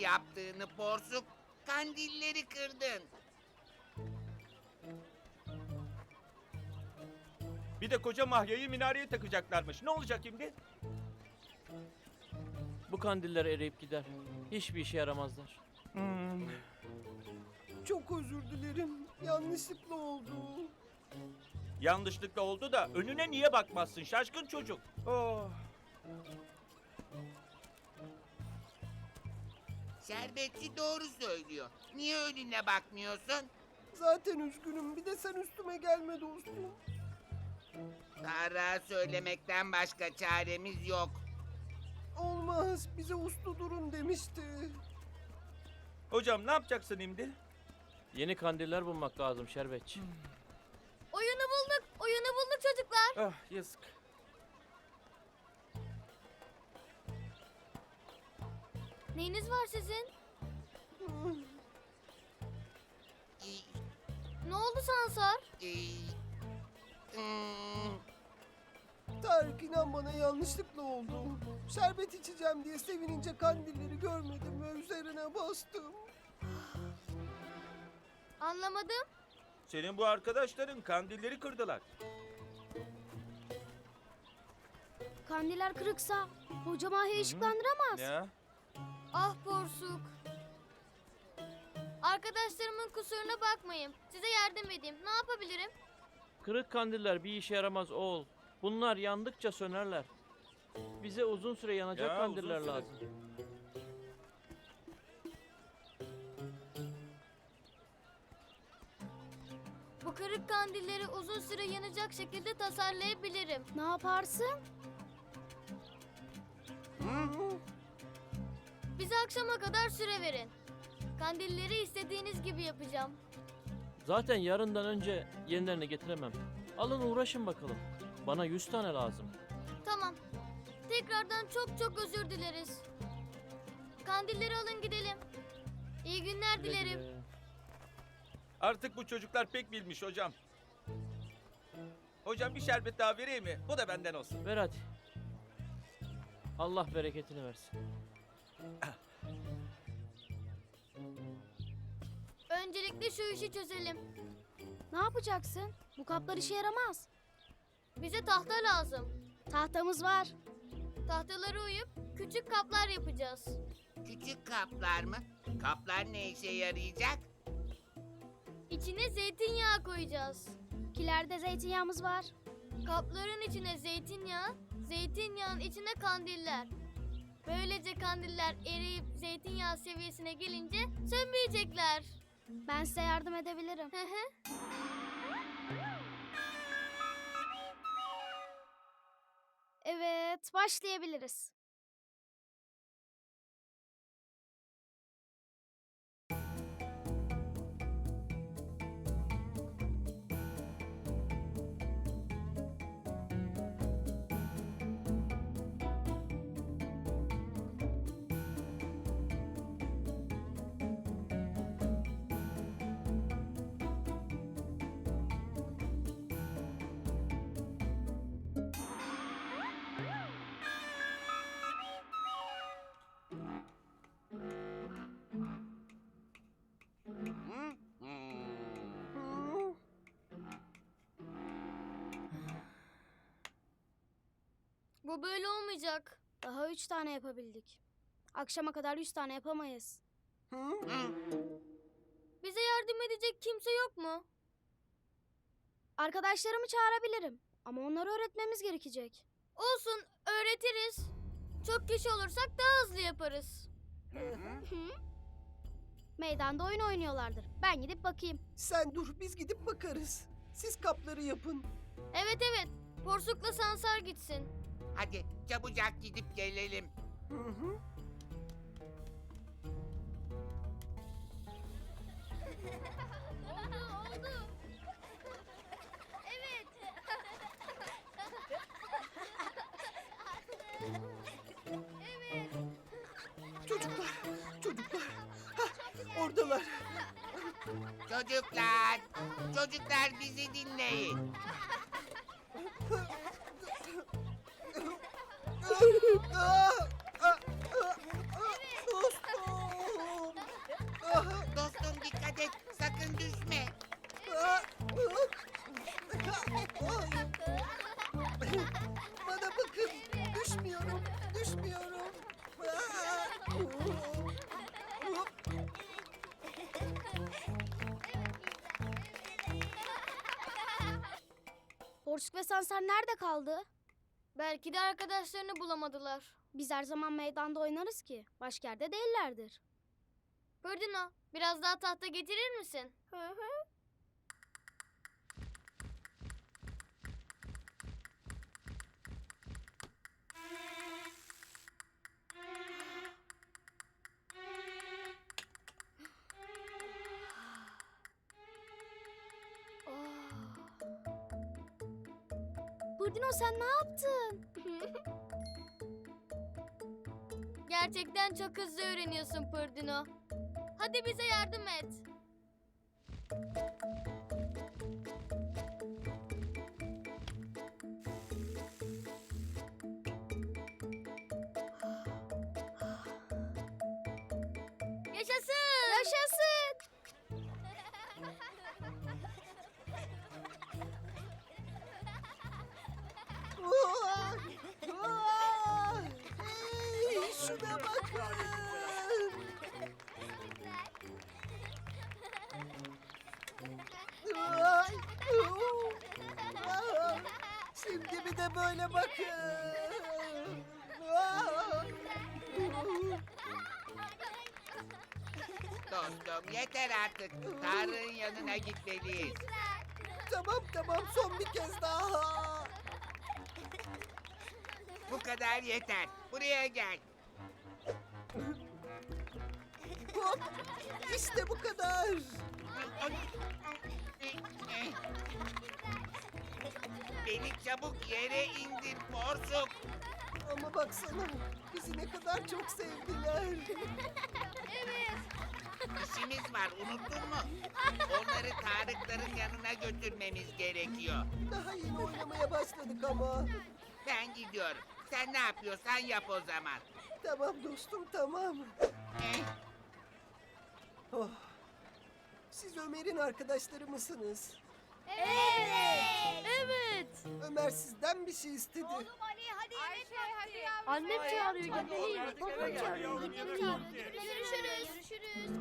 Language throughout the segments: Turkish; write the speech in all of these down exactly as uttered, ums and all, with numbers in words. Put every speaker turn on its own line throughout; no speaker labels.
yaptığını Porsuk. Kandilleri kırdın.
Bir de koca Mahya'yı minareye takacaklarmış. Ne olacak şimdi?
Bu kandiller eriyip gider. Hiçbir işe yaramazlar.
Hmm.
Çok özür dilerim. Yanlışlıkla oldu.
Yanlışlıkla oldu da önüne niye bakmazsın şaşkın çocuk? Oh.
Şerbetçi doğru söylüyor. Niye önüne bakmıyorsun?
Zaten üzgünüm. Bir de sen üstüme gelme dostum.
Tarık'a söylemekten başka çaremiz yok.
Olmaz. Bize uslu durun demişti.
Hocam ne yapacaksın şimdi?
Yeni kandiller bulmak lazım Şerbetçi.
Oyunu bulduk. Oyunu bulduk çocuklar.
Ah yazık.
Neyiniz var sizin?
Ee,
Ne oldu Sansar?
e, hmm,
Tarık inan bana yanlışlıkla oldu. Şerbet içeceğim diye sevinince kandilleri görmedim ve üzerine bastım.
Anlamadım.
Senin bu arkadaşların kandilleri kırdılar.
Kandiller kırıksa hoca Mahya'yı ışıklandıramaz.
Ya.
Ah Porsuk. Arkadaşlarımın kusuruna bakmayın. Size yardım edeyim. Ne yapabilirim?
Kırık kandiller bir işe yaramaz oğul. Bunlar yandıkça sönerler. Bize uzun süre yanacak
Ya,
kandiller
uzun süre.
lazım.
Bu kırık kandilleri uzun süre yanacak şekilde tasarlayabilirim.
Ne yaparsın?
Bize akşama kadar süre verin. Kandilleri istediğiniz gibi yapacağım.
Zaten yarından önce yenilerini getiremem. Alın uğraşın bakalım. Bana yüz tane lazım.
Tamam. Tekrardan çok çok özür dileriz. Kandilleri alın gidelim. İyi günler
Güle
dilerim.
güle.
Artık bu çocuklar pek bilmiş hocam. Hocam bir şerbet daha vereyim mi? Bu da benden olsun.
Ver hadi. Allah bereketini versin.
Öncelikle şu işi çözelim.
Ne yapacaksın? Bu kaplar işe yaramaz.
Bize tahta lazım.
Tahtamız var.
Tahtaları uyup küçük kaplar yapacağız.
küçük kaplar mı? Kaplar ne işe yarayacak?
İçine zeytinyağı koyacağız.
Kilerde zeytinyağımız var.
Kapların içine zeytinyağı, zeytinyağın içine kandiller. Böylece kandiller eriyip zeytinyağı seviyesine gelince sönmeyecekler.
Ben size yardım edebilirim.
Hı hı.
Evet, başlayabiliriz.
Hmm.
Hı?
Bu böyle olmayacak.
Daha üç tane yapabildik. Akşama kadar yüz tane yapamayız.
Hı?
Hmm.
Bize yardım edecek kimse yok mu?
Arkadaşlarımı çağırabilirim. Ama onları öğretmemiz gerekecek.
Olsun, öğretiriz. Çok kişi olursak daha hızlı yaparız.
Meydanda oyun oynuyorlardır. Ben gidip bakayım.
Sen dur biz gidip bakarız. Siz kapları yapın.
Evet evet, Porsuk'la Sansar gitsin.
Hadi çabucak gidip gelelim.
Hı hı.
Oldu, oldu. Evet. Evet.
Çocuklar, çocuklar. Hah, oradalar.
Çocuklar, çocuklar bizi dinleyin.
Aa, aa, aa, aa, dostum. Bana bakın. Düşmüyorum. Düşmüyorum. Aa! Hop.
Porsuk ve Sansar nerede kaldı?
Belki de arkadaşlarını bulamadılar.
Biz her zaman meydanda oynarız ki. Başka yerde değillerdir.
Pırdino, biraz daha tahta getirir misin?
Hı hı. Pırdino sen ne yaptın?
Gerçekten çok hızlı öğreniyorsun Pırdino. Hadi bize yardım et. Yaşasın!
Yaşasın!
Aa! Aa! Hey, şuna bakın. Ay! Oo! Aa! Şimdi bir de böyle bakın. Aa!
Dostum yeter artık. Tarık'ın yanına gitmeliyiz.
Tamam tamam son bir kez daha.
Bu kadar yeter. Buraya gel.
Hop! İşte bu kadar.
Beni çabuk yere indir Porsuk.
Ama baksana bizi ne kadar çok sevdiler.
İşimiz var unuttun mu? Onları Tarıkların yanına götürmemiz gerekiyor.
Daha yeni oynamaya başladık ama.
Ben gidiyorum. Sen ne yapıyorsan yap o zaman.
Tamam dostum tamam.
Eh,
Oh. Siz Ömer'in arkadaşları mısınız?
Evet! Evet!
Ömer sizden bir şey istedi.
Annem çağırıyor gidelim.
Artık eve gel yavrum, yemek vakti.
Görüşürüz. Görüşürüz.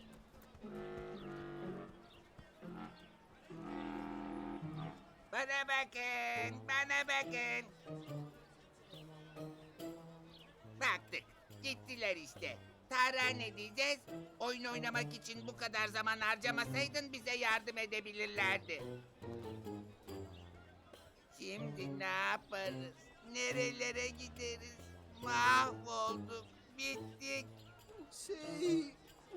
Bana bakın, bana bakın. Baktık, gittiler işte. Tarık'a ne diyeceğiz? Oyun oynamak için bu kadar zaman harcamasaydın bize yardım edebilirlerdi. Şimdi ne yaparız? Nerelere gideriz? Mahvolduk, bittik.
Şey...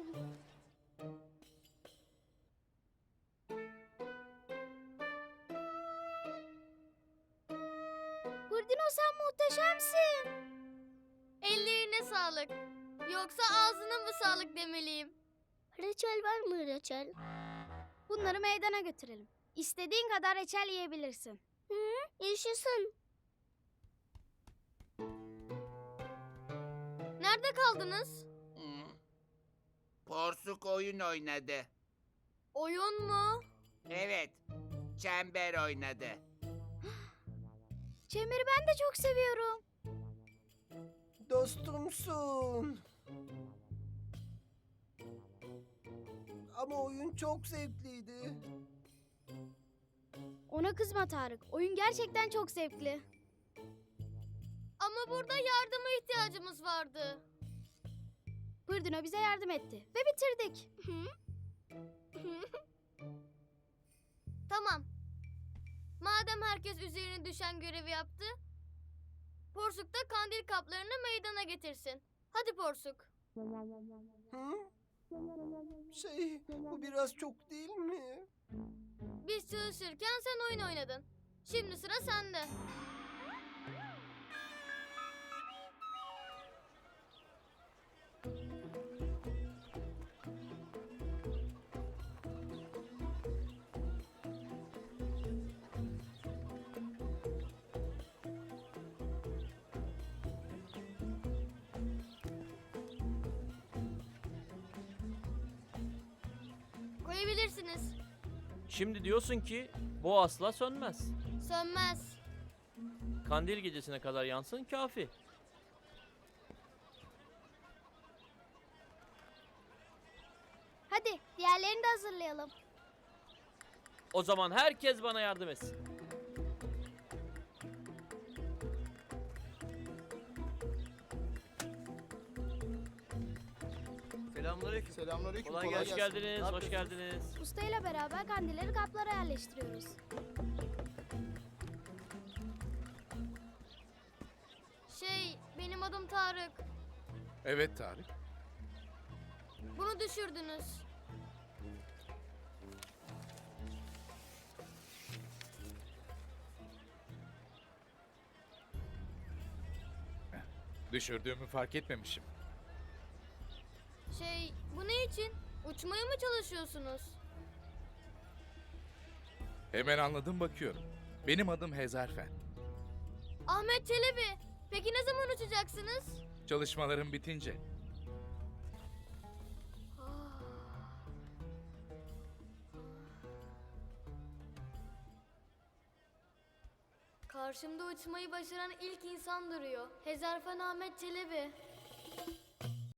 Pırdino sen muhteşemsin.
Ellerine sağlık. Yoksa ağzına mı sağlık demeliyim?
Reçel var mı reçel? Bunları meydana götürelim. İstediğin kadar reçel yiyebilirsin. Hı, yaşasın.
Nerede kaldınız?
Hmm. Porsuk oyun oynadı.
Oyun mu?
Evet, çember oynadı.
Çemiri ben de çok seviyorum.
Dostumsun. Ama oyun çok zevkliydi.
Ona kızma Tarık. Oyun gerçekten çok zevkli.
Ama burada yardıma ihtiyacımız vardı.
Pırdino bize yardım etti ve bitirdik.
Tamam. Madem herkes üzerine düşen görevi yaptı, Porsuk da kandil kaplarını meydana getirsin. Hadi Porsuk.
Hı? Şey, bu biraz çok değil mi?
Biz çalışırken sen oyun oynadın. Şimdi sıra sende. Koyabilirsiniz.
Şimdi diyorsun ki bu asla sönmez.
Sönmez.
Kandil gecesine kadar yansın kafi.
Hadi diğerlerini de hazırlayalım.
O zaman herkes bana yardım etsin.
Selamünaleyküm.
Selamünaleyküm.
Kolay
Kolay,
Hoş
gelsin.
geldiniz,
Ne
hoş
yapıyorsunuz?
geldiniz.
Ustayla beraber kandilleri kaplara yerleştiriyoruz.
Şey, benim adım Tarık.
Evet Tarık.
Bunu düşürdünüz.
Düşürdüğümü fark etmemişim.
Şey, bu ne için? Uçmaya mı çalışıyorsunuz?
Hemen anladım bakıyorum. Benim adım Hezarfen.
Ahmet Çelebi, peki ne zaman uçacaksınız?
Çalışmalarım bitince.
Karşımda uçmayı başaran ilk insan duruyor. Hezarfen Ahmet Çelebi.